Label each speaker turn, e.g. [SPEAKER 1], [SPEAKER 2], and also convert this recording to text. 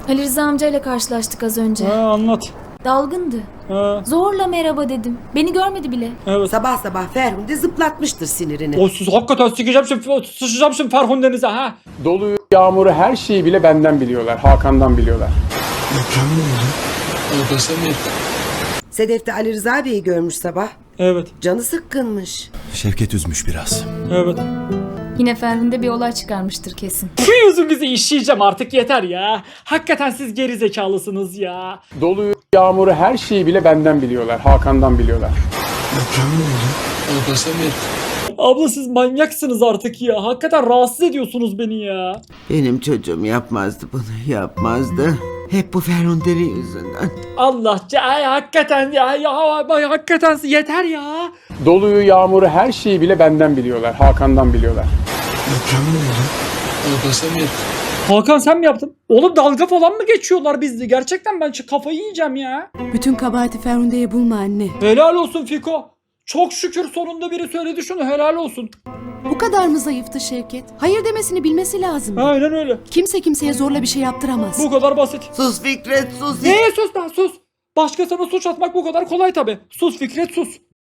[SPEAKER 1] Ali Rıza amcayla karşılaştık az önce.
[SPEAKER 2] Anlat.
[SPEAKER 1] Dalgındı. Zorla merhaba dedim. Beni görmedi bile.
[SPEAKER 2] Evet.
[SPEAKER 3] Sabah sabah Ferhunde zıplatmıştır sinirini.
[SPEAKER 2] O siz hakikaten sıçacağım şimdi Ferhunde'nize ha.
[SPEAKER 4] Doluyu, yağmuru, her şeyi bile benden biliyorlar. Hakan'dan biliyorlar.
[SPEAKER 3] Sedef de Ali Rıza Bey'i görmüş sabah.
[SPEAKER 2] Evet.
[SPEAKER 3] Canı sıkkınmış.
[SPEAKER 5] Şevket üzmüş biraz.
[SPEAKER 2] Evet.
[SPEAKER 1] Yine Ferhunde bir olay çıkarmıştır kesin.
[SPEAKER 2] Şu yüzünüzü işleyeceğim artık yeter ya. Hakikaten siz geri zekalısınız ya.
[SPEAKER 4] Doluyu, yağmuru, her şeyi bile benden biliyorlar. Hakan'dan biliyorlar.
[SPEAKER 2] Abla siz manyaksınız artık ya. Hakikaten rahatsız ediyorsunuz beni ya.
[SPEAKER 6] Benim çocuğum yapmazdı bunu, yapmazdı. Hep bu Ferhunde'nin yüzünden.
[SPEAKER 2] Allah hakikaten hakikaten yeter ya.
[SPEAKER 4] Doluyu, yağmuru, her şeyi bile benden biliyorlar. Hakan'dan biliyorlar.
[SPEAKER 2] Hakan sen mi yaptın? Oğlum dalga falan mı geçiyorlar bizde? Gerçekten ben kafayı yiyeceğim ya.
[SPEAKER 7] Bütün kabahati Ferhunde'ye bulma anne.
[SPEAKER 2] Helal olsun Fiko. Çok şükür sonunda biri söyledi şunu, helal olsun.
[SPEAKER 7] Bu kadar mı zayıftı Şevket? Hayır demesini bilmesi lazım.
[SPEAKER 2] Aynen öyle.
[SPEAKER 7] Kimse kimseye zorla bir şey yaptıramaz.
[SPEAKER 2] Bu kadar basit.
[SPEAKER 6] Sus Fikret, sus.
[SPEAKER 2] Neye sus lan sus. Başkasına suç atmak bu kadar kolay tabi. Sus Fikret sus.